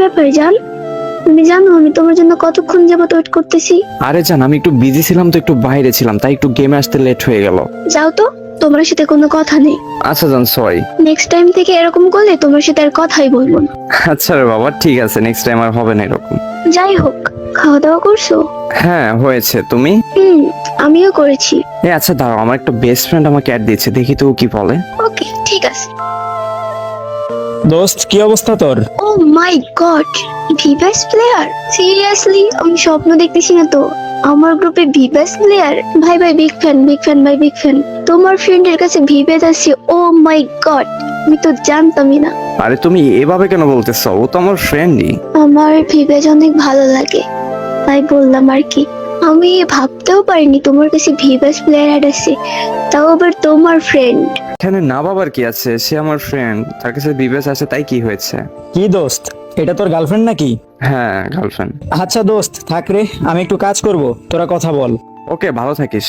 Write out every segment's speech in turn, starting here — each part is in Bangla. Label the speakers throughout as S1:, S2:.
S1: ব্যাপার জান? তুমি জানো আমি তোমার জন্য কতক্ষণ যাবত ওয়েট করতেছি?
S2: আরে জান, আমি একটু বিজি ছিলাম তো, একটু বাইরে ছিলাম, তাই একটু গেমে আসতে লেট হয়ে গেল।
S1: যাও তো, তোমার সাথে কোনো কথা নেই।
S2: আচ্ছা জান, সরি।
S1: নেক্সট টাইম থেকে এরকম করলে তোমার সাথে আর কথাই বলবো না।
S2: আচ্ছা রে বাবা, ঠিক আছে, নেক্সট টাইম আর হবে না এরকম।
S1: যাই হোক, খাওয়া দাওয়া করছো?
S2: হ্যাঁ হয়েছে, তুমি?
S1: আমিও করেছি।
S2: আচ্ছা দাঁড়াও, আমার একটা বেস্ট ফ্রেন্ড আমাকে অ্যাড দিয়েছে, দেখি তো ও কি বলে।
S1: ওকে, ঠিক আছে।
S3: দোস্ত, কি অবস্থা তোর?
S1: ও মাই গড, ভিভাস প্লেয়ার? সিরিয়াসলি? আমি স্বপ্ন দেখতেছি না তো। আমার গ্রুপে ভিভাস প্লেয়ার? ভাই ভাই, বিগ ফ্যান, বিগ ফ্যান ভাই, বিগ ফ্যান। তোমার ফ্রেন্ডের কাছে ভিভেজ আছে? ও মাই গড, আমি তো জানতামই না।
S2: আরে তুমি এভাবে কেন বলতেছো? ও তো আমার ফ্রেন্ডই।
S1: আমার ভিভেজ অনেক ভালো লাগে, তাই বললাম আর কি। আমি ভাবতেও পারিনি তোমার কাছে ভিভাস প্লেয়ার অ্যাড আছে, তাও আবার তোমার ফ্রেন্ড।
S2: এখানে না বাবার কি আছে, সে আমার ফ্রেন্ড, তার কাছে বিবেচ আছে, তাই কি হয়েছে?
S3: কি দোস্ত, এটা তোর গার্লফ্রেন্ড নাকি?
S2: হ্যাঁ, গার্লফ্রেন্ড।
S3: আচ্ছা দোস্ত, থাক রে, আমি একটু কাজ করব, তোরা কথা বল।
S2: ওকে, ভালো থাকিস।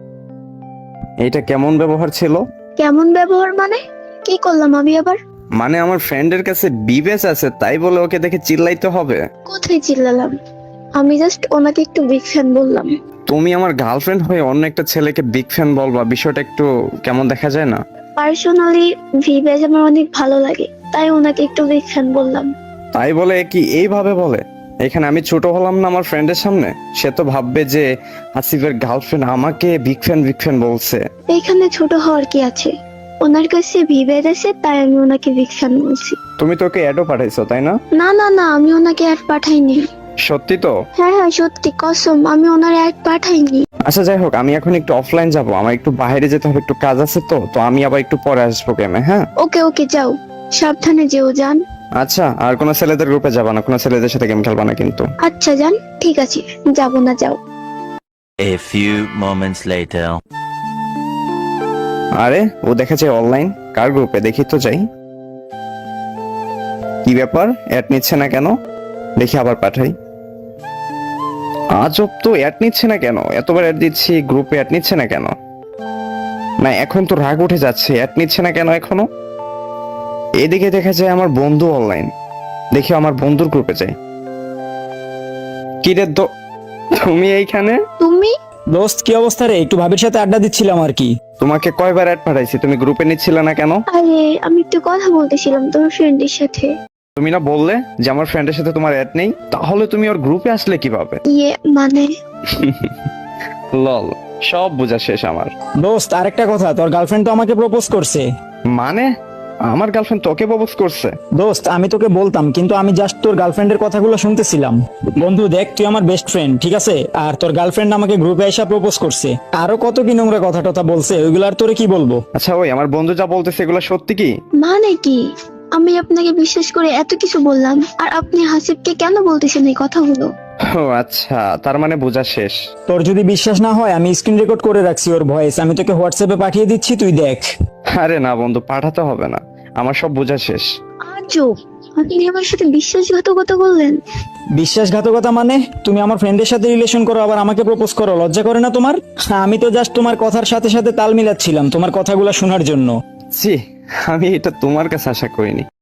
S2: এইটা কেমন ব্যবহার ছিল?
S1: কেমন ব্যবহার মানে? কি করলাম আমি আবার?
S2: মানে আমার ফ্রেন্ডের কাছে বিবেচ আছে, তাই বলে ওকে দেখে চিল্লাইতে হবে?
S1: কোথায় চিল্লালাম? আমি জাস্ট ওনাকে একটু বিগ ফ্যান বললাম।
S2: তুমি আমার গার্লফ্রেন্ড হয়ে অন্য একটা ছেলেকে বিগ ফ্যান বলবা, বিষয়টা একটু কেমন দেখা যায় না?
S1: পার্সোনালি ভিভেজ আমার অনেক ভালো লাগে, তাই ওনাকে একটু বিগ ফ্যান বললাম।
S2: তাই বলে কি এইভাবে বলে? এখানে আমি ছোট হলাম না আমার ফ্রেন্ডের সামনে? সে তো ভাববে যে আসিফের গার্লফ্রেন্ড আমাকে বিগ ফ্যান বলছে।
S1: এখানে ছোট হওয়ার কি আছে? ওনার কাছে ভিভেজ আছে, তাই আমি ওনাকে বিগ ফ্যান বলছি।
S2: তুমি তোকে অ্যাডও পাঠাইছো তাই না?
S1: না না না, আমি ওনাকে অ্যাড পাঠাইনি।
S2: সত্যি তো?
S1: হ্যাঁ হ্যাঁ, সত্যি কসম, আমি ওনার অ্যাড পাঠাইনি।
S2: আচ্ছা যাই হোক, আমি এখন একটু অফলাইন যাব, আমার একটু বাইরে যেতে হবে, একটু কাজ আছে তো তো আমি আবার একটু পরে আসবো গেমে, হ্যাঁ?
S1: ওকে ওকে, যাও, সাবধানে যেও যান।
S2: আচ্ছা, আর কোনো ছেলেদের গ্রুপে যাবা না, কোনো ছেলেদের সাথে গেম খেলবা না কিন্তু।
S1: আচ্ছা যান, ঠিক আছে, যাবো না, যাও।
S4: A few moments later.
S2: আরে ও দেখা যায় অনলাইন, কার গ্রুপে দেখি তো যাই। কি ব্যাপার, অ্যাড নিচ্ছে না কেন? দেখি আবার পাঠাই। আজব তো, অ্যাড নিচ্ছে না কেন? এতবার অ্যাড দিচ্ছি, গ্রুপে অ্যাড নিচ্ছে না কেন? না এখন তো রাগ উঠে যাচ্ছে, অ্যাড নিচ্ছে না কেন এখনো? এদিকে দেখা যায় আমার বন্ধু অনলাইন, দেখি আমার বন্ধুর গ্রুপে যাই। কি রে তুমি এইখানে?
S1: তুমি?
S3: দোস্ত, কি অবস্থা রে? একটু ভাবির সাথে আড্ডা দিচ্ছিলাম আর কি।
S2: তোমাকে কয়বার অ্যাড পাঠাইছি, তুমি গ্রুপে নিচ্ছিলে না কেন?
S1: আরে আমি একটু কথা বলতেছিলাম তোমার ফ্রেন্ডের সাথে।
S2: তুমি না বললে যে আমার ফ্রেন্ডের সাথে তোমার অ্যাড নেই, তাহলে তুমি ওর গ্রুপে আসলে কিভাবে?
S1: মানে
S2: লল, সব বোঝা শেষ আমার।
S3: দোস্ত, আরেকটা কথা, তোর গার্লফ্রেন্ড তো আমাকে প্রপোজ করছে।
S2: মানে আমার গার্লফ্রেন্ড তোকে প্রপোজ করছে?
S3: দোস্ত, আমি তোকে বলতাম, কিন্তু আমি জাস্ট তোর গার্লফ্রেন্ডের কথাগুলো শুনতেছিলাম। বন্ধু দেখ, তুই আমার বেস্ট ফ্রেন্ড, ঠিক আছে? আর তোর গার্লফ্রেন্ড আমাকে গ্রুপে এসে প্রপোজ করছে, আরো কত কি নোংরা কথা টথা বলছে, ওইগুলো আর তোরে কি বলবো।
S2: আচ্ছা ওই আমার বন্ধু যা বলতেছে এগুলো সত্যি কি?
S1: মানে কি? আমি আপনাকে বিশ্বাস করে এত কিছু বললাম, আর আপনি হাসিবকে কেন বলতেছেন এই কথাগুলো?
S2: ও আচ্ছা, তার মানে বোঝা শেষ।
S3: তোর যদি বিশ্বাস না হয়, আমি স্ক্রিন রেকর্ড করে রাখছি ওর ভয়েস, আমি তোকে হোয়াটসঅ্যাপে পাঠিয়ে দিচ্ছি, তুই দেখ।
S2: আরে না বন্ধু, পাঠাতে হবে না, আমার সব বোঝা শেষ।
S1: আজব, আপনি আমার সাথে বিশ্বাসঘাতকতা করলেন।
S3: বিশ্বাসঘাতকতা মানে? তুমি আমার ফ্রেন্ডের সাথে রিলেশন করো, আবার আমাকে প্রপোজ করো, লজ্জা করে না তোমার? আমি তো জাস্ট তোমার কথার সাথে সাথে তাল মিলাচ্ছিলাম, তোমার কথাগুলো শোনার জন্য।
S2: জি, আমি এটা তোমার কাছে আশা করিনি।